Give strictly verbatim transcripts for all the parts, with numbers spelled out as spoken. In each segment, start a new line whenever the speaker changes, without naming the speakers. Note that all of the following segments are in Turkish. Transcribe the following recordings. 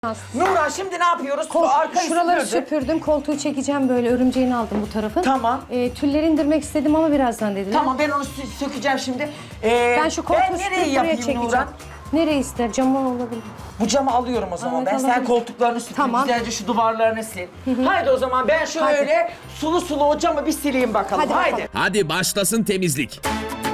Nurhan şimdi ne yapıyoruz?
Kol,
Arkayı
şuraları
süpürdün.
süpürdüm. Koltuğu çekeceğim böyle. Örümceğini aldım bu tarafın.
Tamam.
E, tülleri indirmek istedim ama birazdan dediler.
Tamam ben onu sö- sökeceğim şimdi. Ee,
Ben şu koltuğu
ben nereye
süpürüp buraya
yapayım
çekeceğim.
Nurhan?
Nereye ister? Camdan olabilir.
Bu camı alıyorum o zaman.
Evet,
ben sen
alabilirim.
koltuklarını süpür,
Tamam.
güzelce şu duvarlarını sil. Haydi o zaman ben şöyle sulu sulu o camı bir sileyim bakalım.
Hadi
Haydi.
bakalım.
Hadi başlasın temizlik.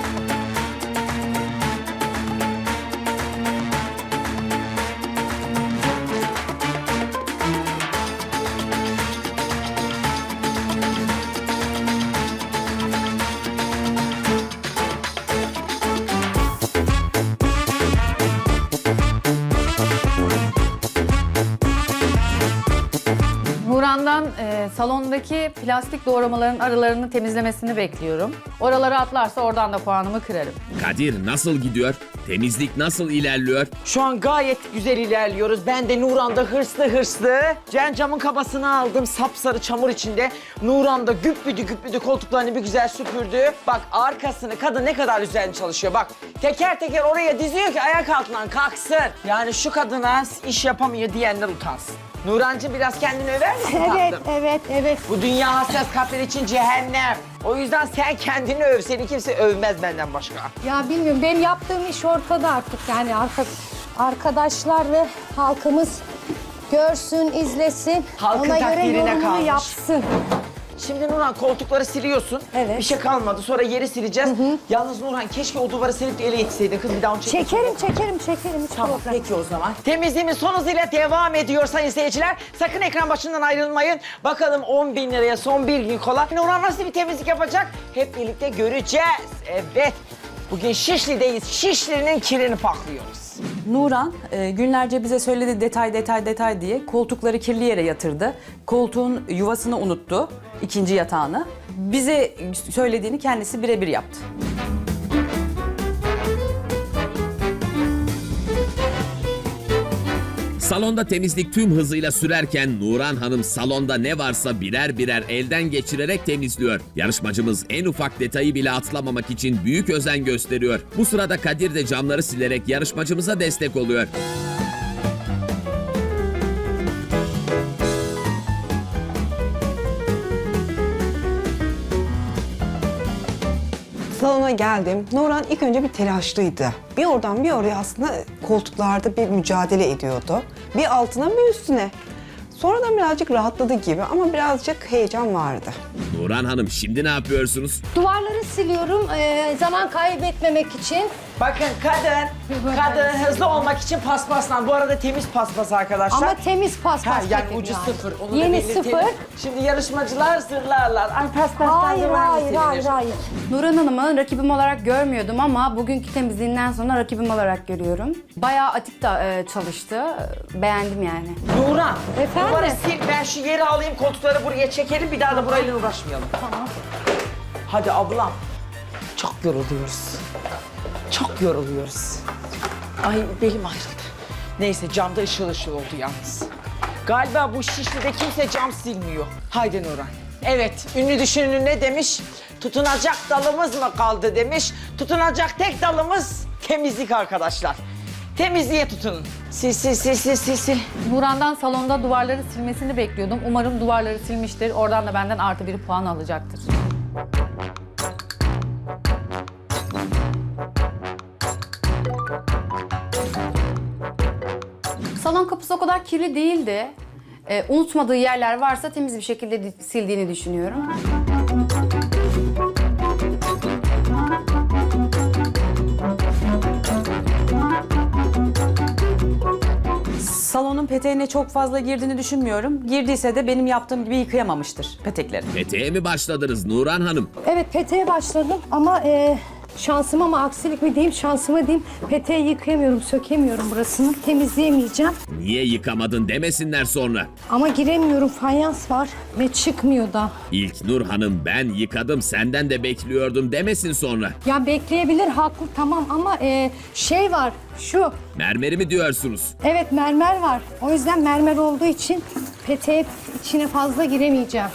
Nurhan'dan e, salondaki plastik doğramaların aralarını temizlemesini bekliyorum. Oraları atlarsa oradan da puanımı kırarım.
Kadir nasıl gidiyor? Temizlik nasıl ilerliyor?
Şu an gayet güzel ilerliyoruz. Ben de Nurhan'da hırslı hırslı. Cen camın kabasını aldım sapsarı çamur içinde. Nurhan'da güppüdü güppüdü koltuklarını bir güzel süpürdü. Bak arkasını kadın ne kadar güzel çalışıyor. Bak teker teker oraya diziyor ki ayak altından kalksın. Yani şu kadına iş yapamıyor diyenler utansın. Nurhancığım biraz kendini över misin
Evet,
tatlım?
evet, evet.
Bu dünya hassas kalpler için cehennem. O yüzden sen kendini öv. Seni kimse övmez benden başka.
Ya bilmiyorum. Benim yaptığım iş ortada artık. Yani arka, arkadaşlar ve halkımız görsün, izlesin.
Halkın
Ona göre
takdirine
yorumunu
kalmış.
yapsın.
Şimdi Nurhan koltukları siliyorsun.
Evet.
Bir şey kalmadı. Sonra yeri sileceğiz. Yalnız Nurhan keşke o duvarı silip de ele yetişseydin. Kız bir daha onu çekmek
Çekerim,
zorunda.
çekerim, çekerim. Hiç
Tamam
problem.
peki o zaman. Temizliğimiz son hızıyla devam ediyor sayın seyirciler. Sakın ekran başından ayrılmayın. Bakalım on bin liraya son bir gün kola. Nurhan nasıl bir temizlik yapacak? Hep birlikte göreceğiz. Evet. Bugün Şişli'deyiz. Şişli'nin kirini paklıyoruz.
Nurhan e, günlerce bize söyledi detay detay detay diye koltukları kirli yere yatırdı. Koltuğun yuvasını unuttu, ikinci yatağını. Bize söylediğini kendisi birebir yaptı.
Salonda temizlik tüm hızıyla sürerken Nurhan Hanım salonda ne varsa birer birer elden geçirerek temizliyor. Yarışmacımız en ufak detayı bile atlamamak için büyük özen gösteriyor. Bu sırada Kadir de camları silerek yarışmacımıza destek oluyor.
Salona geldim. Nurhan ilk önce bir telaşlıydı. Bir oradan bir oraya aslında koltuklarda bir mücadele ediyordu. Bir altına bir üstüne. Sonradan birazcık rahatladı gibi ama birazcık heyecan vardı.
Nurhan Hanım şimdi ne yapıyorsunuz?
Duvarları siliyorum ee, zaman kaybetmemek için.
Bakın kadın, kadın hızlı olmak için paspaslan. Bu arada temiz paspas arkadaşlar.
Ama temiz paspas.
Ha, yani
dedim
ucu
yani.
sıfır. Onu da
Yeni
belirtelim.
sıfır.
Şimdi yarışmacılar zırlarlar. Ay paspastan
Hayır,
zaman mı
hayır,
silinir?
hayır, hayır.
Nurhan Hanım'ı rakibim olarak görmüyordum ama bugünkü temizliğinden sonra rakibim olarak görüyorum. Bayağı atik da e, çalıştı. Beğendim yani.
Nurhan,
Efendim?
duvarı sil. Ben şu yeri alayım, koltukları buraya çekelim. Bir daha da burayla uğraşmayalım.
Tamam.
Hadi ablam. Çok yoruluyoruz. Çok yoruluyoruz. Ay belim ayrıldı. Neyse camda ışıl ışıl oldu yalnız. Galiba bu Şişli'de kimse cam silmiyor. Haydi Nurhan. Evet, ünlü düşünür ne demiş? Tutunacak dalımız mı kaldı demiş. Tutunacak tek dalımız temizlik arkadaşlar. Temizliğe tutunun. Sil sil sil sil sil sil.
Nurhan'dan salonda duvarları silmesini bekliyordum. Umarım duvarları silmiştir. Oradan da benden artı bir puan alacaktır. Salon kapısı o kadar kirli değildi. Ee, unutmadığı yerler varsa temiz bir şekilde di- sildiğini düşünüyorum.
Salonun peteğine çok fazla girdiğini düşünmüyorum. Girdiyse de benim yaptığım gibi yıkayamamıştır petekleri.
Peteğe mi başladınız Nurhan Hanım?
Evet, peteğe başladım ama e, şansıma mı aksilik mi diyeyim, şansıma diyeyim. Peteği yıkayamıyorum, sökemiyorum burasını. Temizleyemeyeceğim.
Niye yıkamadın demesinler sonra.
Ama giremiyorum, fayans var ve çıkmıyor da.
İlk Nur Hanım ben yıkadım senden de bekliyordum demesin sonra.
Ya bekleyebilir, haklı tamam ama e, şey var, şu.
Mermeri mi diyorsunuz?
Evet, mermer var. O yüzden mermer olduğu için peteğe içine fazla giremeyeceğim.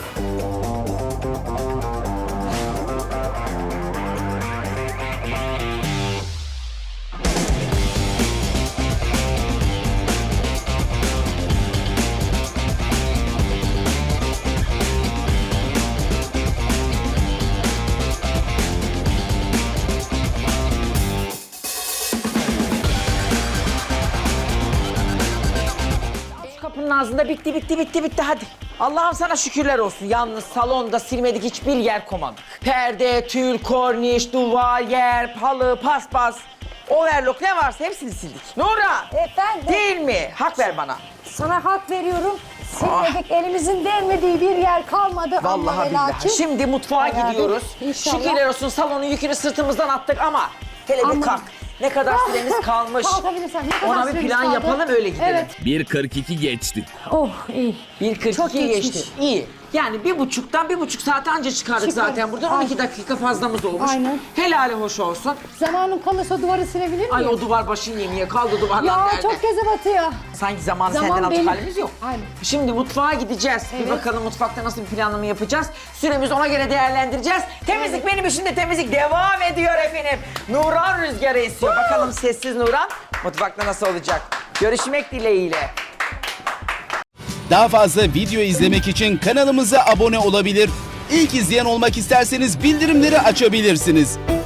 ağzında bitti bitti bitti bitti hadi. Allah'ım sana şükürler olsun. Yalnız salonda silmedik hiçbir yer koymadık. Perde, tül, korniş, duvar, yer, halı, paspas. Overlock ne varsa hepsini sildik. Nura!
Efendim?
Değil mi? Hak ver bana.
Sana hak veriyorum. Silmedik, elimizin değmediği bir yer kalmadı.
Ah. Vallahi
ama ve
billahi.
lakin.
Şimdi mutfağa
Bayağı bir-
gidiyoruz.
İnşallah.
Şükürler olsun salonun yükünü sırtımızdan attık ama hele bir
Ama-
kalk. Ne kadar süremiz kalmış.
Kalkabilirsen, ne kadar
Ona bir
süremiz
plan
kaldı?
yapalım öyle gidelim.
Evet.
bir kırk iki geçti.
Oh iyi.
bir kırk
Çok
iki
geçmiş.
geçti. İyi. Yani bir buçuktan bir buçuk saate anca çıkardık
Çıkar.
zaten buradan. on iki dakika fazlamız olmuş.
Aynen.
Helali hoş olsun.
Zamanın kalırsa duvarı silebilir miyim?
Ay o duvar başın yemeye kaldı duvarlar
Ya
nerede?
çok göze batıyor.
Sanki zaman,
Zaman
senden alacak
benim.
halimiz yok.
Aynen.
Şimdi mutfağa gideceğiz. Bir
Evet.
bakalım mutfakta nasıl bir planlama yapacağız. Süremizi ona göre değerlendireceğiz. Temizlik benim işimde temizlik devam ediyor efendim. Nuran rüzgarı esiyor. Bakalım sessiz Nuran mutfakta nasıl olacak? Görüşmek dileğiyle.
Daha fazla video izlemek için kanalımıza abone olabilir. İlk izleyen olmak isterseniz bildirimleri açabilirsiniz.